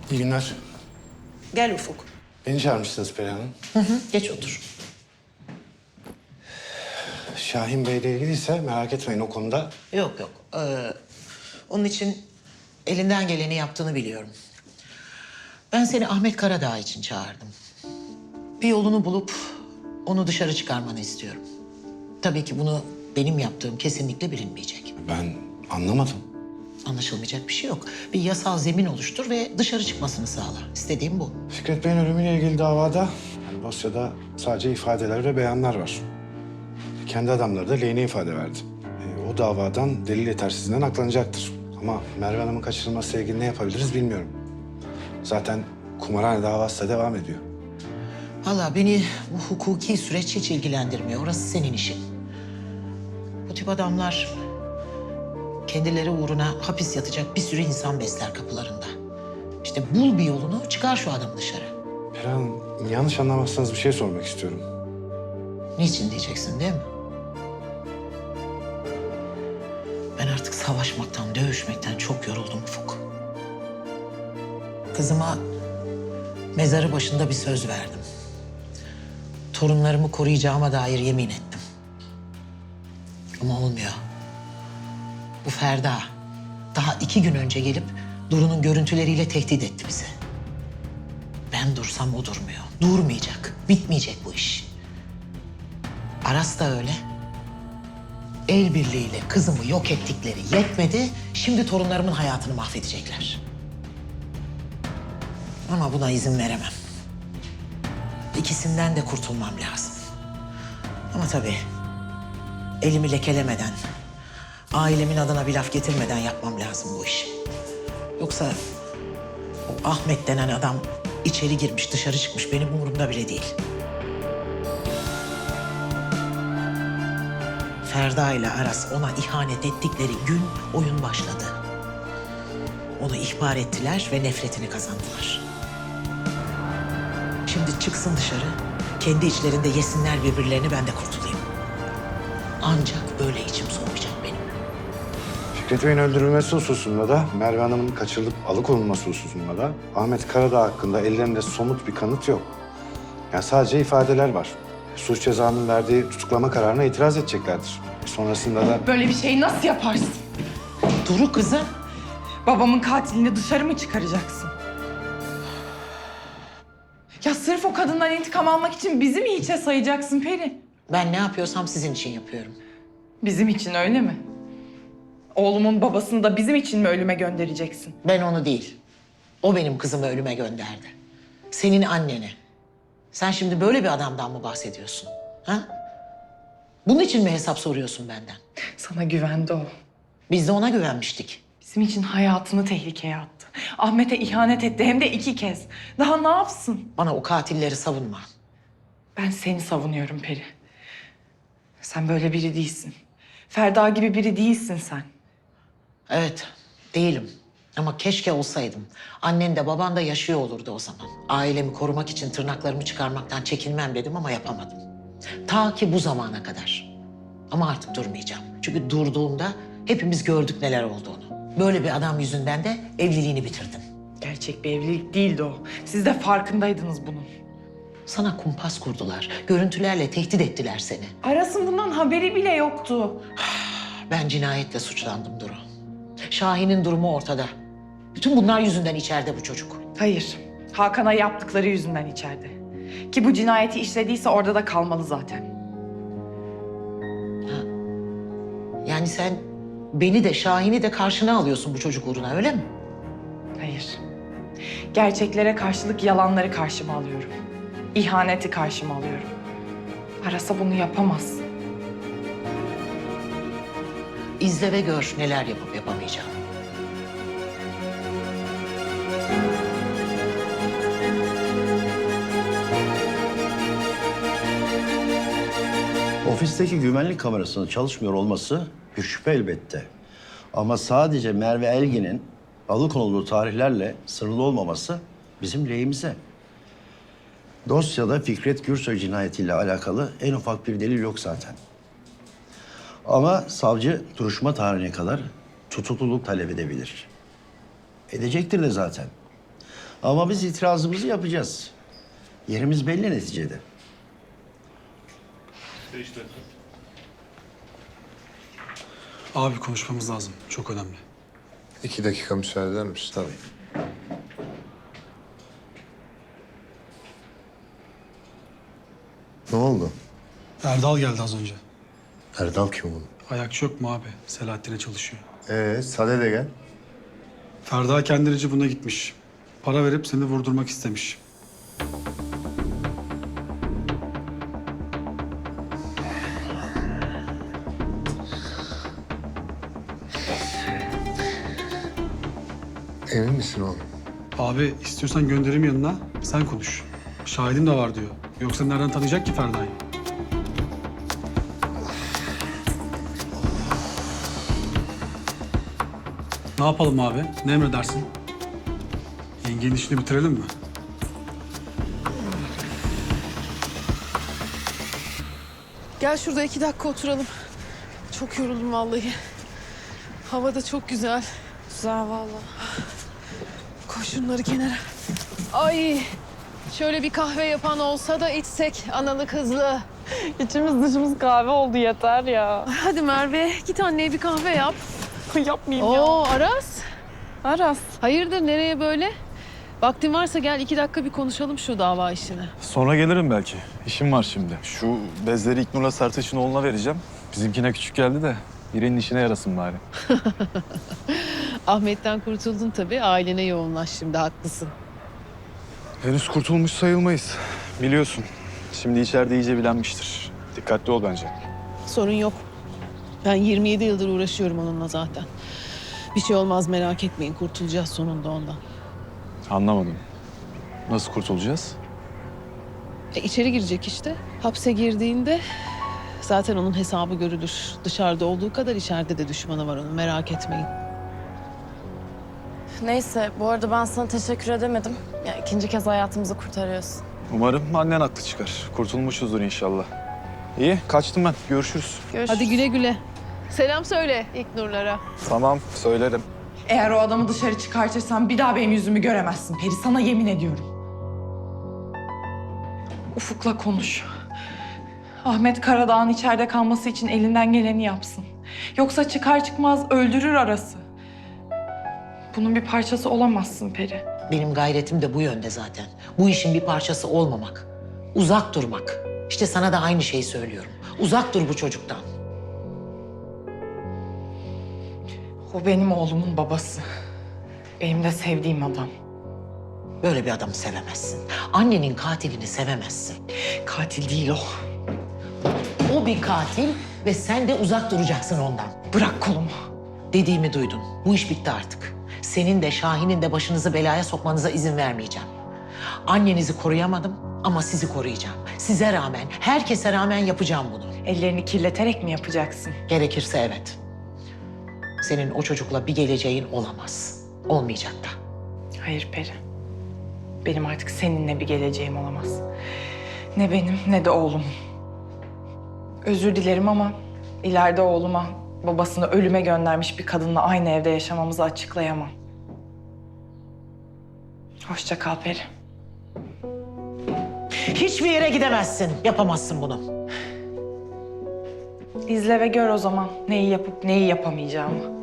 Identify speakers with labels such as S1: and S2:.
S1: İyi günler.
S2: Gel Ufuk.
S1: Beni çağırmışsınız Perihan Hanım.
S2: Geç otur.
S1: Şahin Bey'le ilgiliyse merak etmeyin o konuda.
S2: Yok yok. Onun için elinden geleni yaptığını biliyorum. Ben seni Ahmet Karadağ için çağırdım. Bir yolunu bulup onu dışarı çıkarmanı istiyorum. Tabii ki bunu benim yaptığım kesinlikle bilinmeyecek.
S1: Ben anlamadım.
S2: Anlaşılmayacak bir şey yok. Bir yasal zemin oluştur ve dışarı çıkmasını sağla. İstediğim bu.
S1: Fikret Bey'in ölümüyle ilgili davada dosyada sadece ifadeler ve beyanlar var. Kendi adamları da lehine ifade verdi. O davadan delil yetersizliğinden aklanacaktır. Ama Merve Hanım'ın kaçırılmasıyla ilgili ne yapabiliriz bilmiyorum. Zaten kumarhane davası da devam ediyor.
S2: Vallahi beni bu hukuki süreç hiç ilgilendirmiyor. Orası senin işin. Bu tip adamlar kendileri uğruna hapis yatacak bir sürü insan besler kapılarında. İşte bul bir yolunu, çıkar şu adamı dışarı.
S1: Perihan Hanım, yanlış anlamazsanız bir şey sormak istiyorum.
S2: Niçin diyeceksin değil mi? Ben artık savaşmaktan, dövüşmekten çok yoruldum Ufuk. Kızıma mezarı başında bir söz verdim. Torunlarımı koruyacağıma dair yemin ettim. Ama olmuyor. Bu Ferda daha 2 gün önce gelip Duru'nun görüntüleriyle tehdit etti bizi. Ben dursam o durmuyor. Durmayacak. Bitmeyecek bu iş. Aras da öyle. El birliğiyle kızımı yok ettikleri yetmedi. Şimdi torunlarımın hayatını mahvedecekler. Ama buna izin veremem. İkisinden de kurtulmam lazım. Ama tabii elimi lekelemeden, ailemin adına bir laf getirmeden yapmam lazım bu işi. Yoksa o Ahmet denen adam içeri girmiş, dışarı çıkmış. Benim umurumda bile değil. Ferda ile Aras ona ihanet ettikleri gün oyun başladı. Onu ihbar ettiler ve nefretini kazandılar. Şimdi çıksın dışarı, kendi içlerinde yesinler birbirlerini, ben de kurtulayım. Ancak böyle içim soğuyacak benim.
S1: Fikret Bey'in öldürülmesi hususunda da, Merve Hanım'ın kaçırılıp alıkonulması hususunda da Ahmet Karadağ hakkında ellerinde somut bir kanıt yok. Yani sadece ifadeler var. Suç cezanın verdiği tutuklama kararına itiraz edeceklerdir. Sonrasında da...
S3: Böyle bir şeyi nasıl yaparsın?
S2: Duru kızım.
S3: Babamın katilini dışarı mı çıkaracaksın? Ya sırf o kadından intikam almak için bizi mi hiçe sayacaksın Peri?
S2: Ben ne yapıyorsam sizin için yapıyorum.
S3: Bizim için öyle mi? Oğlumun babasını da bizim için mi ölüme göndereceksin?
S2: Ben onu değil. O benim kızımı ölüme gönderdi. Senin anneni. Sen şimdi böyle bir adamdan mı bahsediyorsun? Ha? Bunun için mi hesap soruyorsun benden?
S3: Sana güvendi o.
S2: Biz de ona güvenmiştik.
S3: Bizim için hayatını tehlikeye attı. Ahmet'e ihanet etti hem de 2 kez. Daha ne yapsın?
S2: Bana o katilleri savunma.
S3: Ben seni savunuyorum Peri. Sen böyle biri değilsin. Ferda gibi biri değilsin sen.
S2: Evet, değilim. Ama keşke olsaydım. Annen de baban da yaşıyor olurdu o zaman. Ailemi korumak için tırnaklarımı çıkarmaktan çekinmem dedim ama yapamadım. Ta ki bu zamana kadar. Ama artık durmayacağım. Çünkü durduğumda hepimiz gördük neler olduğunu. Böyle bir adam yüzünden de evliliğini bitirdin.
S3: Gerçek bir evlilik değildi o. Siz de farkındaydınız bunun.
S2: Sana kumpas kurdular. Görüntülerle tehdit ettiler seni.
S3: Aras'ın bundan haberi bile yoktu.
S2: Ben cinayetle suçlandım Duru. Şahin'in durumu ortada. Bütün bunlar yüzünden içeride bu çocuk.
S3: Hayır. Hakan'a yaptıkları yüzünden içeride. Ki bu cinayeti işlediyse orada da kalmalı zaten.
S2: Yani sen beni de Şahin'i de karşına alıyorsun bu çocuk uğruna, öyle mi?
S3: Hayır. Gerçeklere karşılık yalanları karşıma alıyorum. İhaneti karşıma alıyorum. Aras'a bunu yapamaz.
S2: İzle ve gör neler yapıp yapamayacağım.
S4: Ofisteki güvenlik kamerasının çalışmıyor olması bir şüphe elbette. Ama sadece Merve Elgin'in alıkonulduğu tarihlerle sınırlı olmaması bizim lehimize. Dosyada Fikret Gürsoy cinayetiyle alakalı en ufak bir delil yok zaten. Ama savcı duruşma tarihine kadar tutukluluk talep edebilir. Edecektir de zaten. Ama biz itirazımızı yapacağız. Yerimiz belli neticede.
S5: Abi konuşmamız lazım. Çok önemli.
S6: 2 dakika müsaade eder misin?
S4: Tabii.
S6: Ne oldu?
S5: Erdal geldi az önce.
S6: Erdal kim bunun?
S5: Ayakçı yok mu abi? Selahattin'e çalışıyor.
S6: Sade de gel.
S5: Ferda kendince buna gitmiş. Para verip seni vurdurmak istemiş.
S6: Emin misin oğlum?
S5: Abi istiyorsan göndereyim yanına. Sen konuş. Şahidim de var diyor. Yoksa nereden tanıyacak ki Ferda'yı? Ne yapalım abi? Ne emredersin? Yengenin işini bitirelim mi?
S7: Gel şurada 2 dakika oturalım. Çok yoruldum vallahi. Hava da çok güzel.
S3: Güzel vallahi.
S7: Koy şunları kenara. Ay, şöyle bir kahve yapan olsa da içsek analı kızlı.
S3: İçimiz dışımız kahve oldu yeter ya.
S7: Hadi Merve, git anneye bir kahve yap.
S3: Yapmayayım ya.
S7: Oo Aras.
S3: Aras.
S7: Hayırdır, nereye böyle? Vaktin varsa gel 2 dakika bir konuşalım şu dava işini.
S8: Sonra gelirim belki. İşim var şimdi. Şu bezleri İknur'la Sertaç'ın oğluna vereceğim. Bizimkine küçük geldi de birinin işine yarasın bari.
S7: Ahmet'ten kurtuldun tabii, ailene yoğunlaş şimdi, haklısın.
S8: Henüz kurtulmuş sayılmayız. Biliyorsun. Şimdi içeride iyice bilenmiştir. Dikkatli ol bence.
S7: Sorun yok. Ben 27 yıldır uğraşıyorum onunla zaten. Bir şey olmaz, merak etmeyin, kurtulacağız sonunda ondan.
S8: Anlamadım. Nasıl kurtulacağız?
S7: İçeri girecek işte. Hapse girdiğinde zaten onun hesabı görülür. Dışarıda olduğu kadar içeride de düşmanı var onun, merak etmeyin.
S9: Neyse, bu arada ben sana teşekkür edemedim. Ya, ikinci kez hayatımızı kurtarıyorsun.
S8: Umarım annen haklı çıkar. Kurtulmuşuzdur inşallah. İyi, kaçtım ben. Görüşürüz.
S7: Hadi güle güle. Selam söyle İlknurlara.
S8: Tamam, söylerim.
S3: Eğer o adamı dışarı çıkartırsan bir daha benim yüzümü göremezsin Peri. Sana yemin ediyorum. Ufuk'la konuş. Ahmet Karadağ'ın içeride kalması için elinden geleni yapsın. Yoksa çıkar çıkmaz öldürür Aras'ı. Bunun bir parçası olamazsın Peri.
S2: Benim gayretim de bu yönde zaten. Bu işin bir parçası olmamak. Uzak durmak. İşte sana da aynı şeyi söylüyorum. Uzak dur bu çocuktan.
S3: O benim oğlumun babası. Benim de sevdiğim adam.
S2: Böyle bir adamı sevemezsin. Annenin katilini sevemezsin.
S3: Katil değil o.
S2: O bir katil ve sen de uzak duracaksın ondan.
S3: Bırak kolumu.
S2: Dediğimi duydun. Bu iş bitti artık. Senin de Şahin'in de başınızı belaya sokmanıza izin vermeyeceğim. Annenizi koruyamadım ama sizi koruyacağım. Size rağmen, herkese rağmen yapacağım bunu.
S3: Ellerini kirleterek mi yapacaksın?
S2: Gerekirse evet. Senin o çocukla bir geleceğin olamaz. Olmayacak da.
S3: Hayır Peri. Benim artık seninle bir geleceğim olamaz. Ne benim ne de oğlum. Özür dilerim ama ileride oğluma babasını ölüme göndermiş bir kadınla aynı evde yaşamamızı açıklayamam. Hoşça kal Peri.
S2: Hiçbir yere gidemezsin. Yapamazsın bunu.
S3: İzle ve gör o zaman neyi yapıp neyi yapamayacağımı.